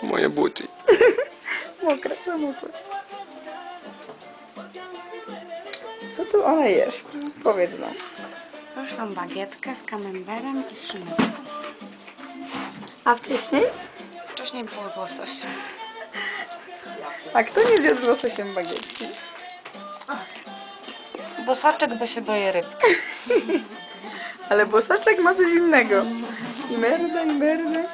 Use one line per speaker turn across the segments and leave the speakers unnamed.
Moje buty.
Mokre, co mokre. Co tu ona jesz? Powiedz nam.
Pyszną bagietkę z kamemberem i z szyneczką.
A wcześniej?
Wcześniej było z łososiem.
A kto nie zjadł z łososiem bagietki?
Bosaczek, bo się boję rybki.
Ale bosaczek ma coś innego. I merda.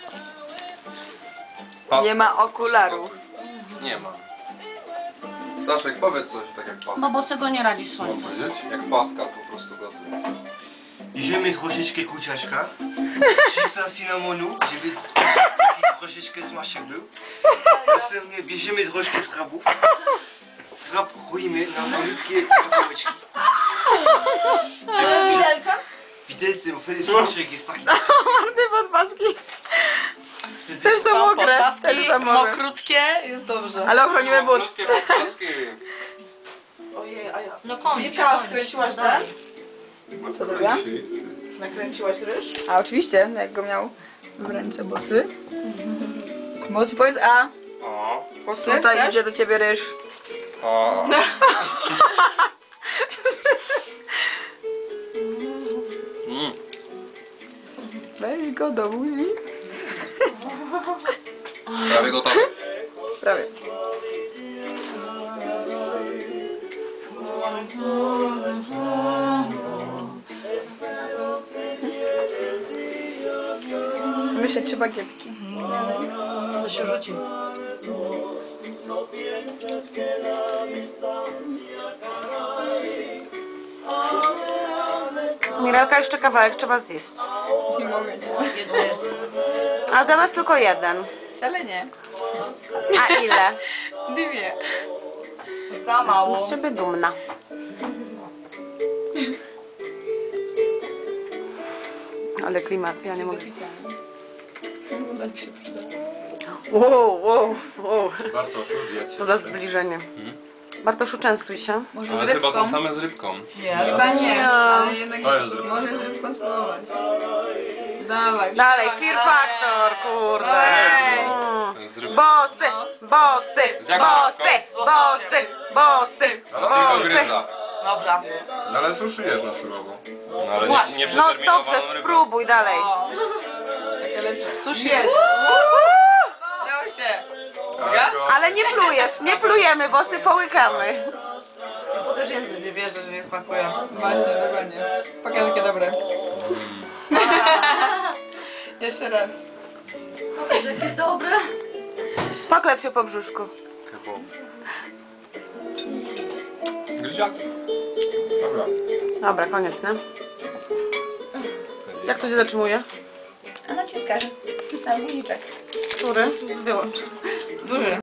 Nie ma okularów.
Nie ma. Staszek, powiedz coś tak jak Pascal.
Bo bosego nie radzi
Mam
słońcu.
powiedzieć? Jak Pascal po prostu gotuje.
Bierzemy troszeczkę kurczaczka, chipsa cynamonu, żeby taki troszeczkę smaczek był. Następnie bierzemy troszkę schrabu. Schrab kroimy na malutkie kawałeczki. Widelcem, bo wtedy smaczek jest taki.
Marny podpaski. Też są mokre. Też są mokre.
Mokrutkie, jest dobrze.
Ale ochronimy but.
Krótkie podpaski.
Ojej, a ja...
No koniec,
Wika, wkręciłaś ten?
Co zrobiła?
Nakręciłaś ryż?
A oczywiście, jak go miał w ręce bosy. Bosy, powiedz a.
O.
Bosy,
Tutaj
chcesz?
idzie do ciebie ryż.
O.
Weź go do buzi.
Prawie gotowe.
Prawie. Myślę, 3 bagietki.
To się rzuci.
Mirelka, jeszcze kawałek trzeba zjeść.
Nie mogę, nie.
A zamiast tylko jeden.
Wcale nie.
A ile?
2.
Za mało.
Z ciebie dumna. Ale klimat, ja nie mogę. Wow.
Bartoszu, zjedz.
Co za zbliżenie. Bartoszu, częstuj się.
Może
Ale
z
chyba są
rybką?
same z rybką.
Nie,
Chyba nie, ale jednak
To jest rybka.
możesz z rybką spróbować. Dawaj.
Dalej, Fear Factor, kurde.
To jest z rybką.
Bosy, bosy,
Z jaką
bosy,
rybką?
bosy, bosy,
Ale tylko
bosy.
gryza.
Dobra.
No ale suszujesz na surowo. No ale
Właśnie.
nie
No
przeterminowaną
dobrze,
rybą.
spróbuj dalej.
Takie lepsze.
Sushi
Jest.
jest.
Dało się.
Tylko-
Ale nie plujesz, nie plujemy, bosy połykamy.
Bo też język nie wierzę, że nie smakuje.
Właśnie, dokładnie. Pokaż jakie dobre. Jeszcze raz.
Jakie dobre.
Poklep się po brzuszku.
Kebab. Gryziaki. Dobra.
Dobra, koniec, nie? Jak to się zatrzymuje?
A naciskasz na guziczek.
Który? Wyłącz.
Duży.